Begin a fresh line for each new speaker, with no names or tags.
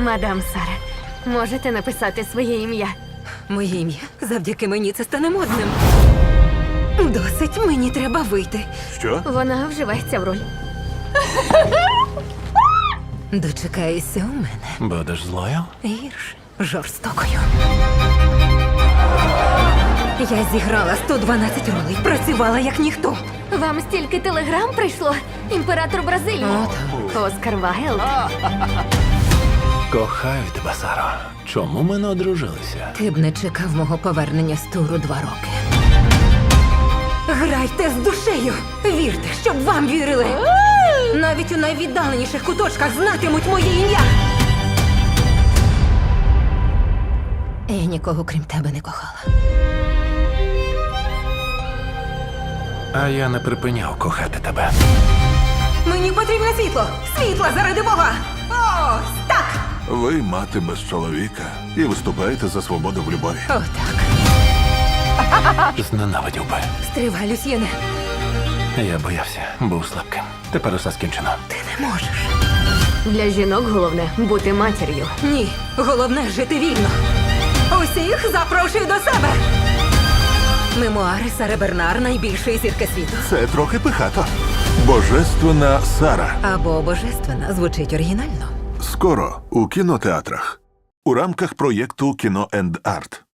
Мадам Сара, можете написати своє ім'я?
Моє ім'я завдяки мені це стане модним. Досить, мені треба вийти.
Що?
Вона вживається в роль.
Дочекаєшся у мене.
Будеш злою?
Гірше, жорстокою. Я зіграла 112 ролей, працювала як ніхто.
Вам стільки телеграм прийшло? Імператор Бразилії. Оскар Вайлд.
Кохаю тебе, Саро. Чому ми не одружилися?
Ти б не чекав мого повернення з туру 2 роки. Грайте з душею! Вірте, щоб вам вірили! Навіть у найвіддаленіших куточках знатимуть моє ім'я! Я нікого крім тебе не кохала.
А я не припиняв кохати тебе.
Мені потрібне світло! Світло заради Бога! Ось так!
Ви мати без чоловіка і виступаєте за свободу в любові.
Отак.
Зненавидів би.
Стривай, Люсьєне.
Я боявся, був слабким. Тепер усе скінчено.
Ти не можеш.
Для жінок головне бути матір'ю.
Ні, головне жити вільно. Усіх запрошую до себе. Мемуари Сари Бернар, найбільшої зірки світу.
Це трохи пихато. Божественна Сара.
Або божественна звучить оригінально.
Скоро у кінотеатрах. У рамках проєкту «Кіно енд Арт».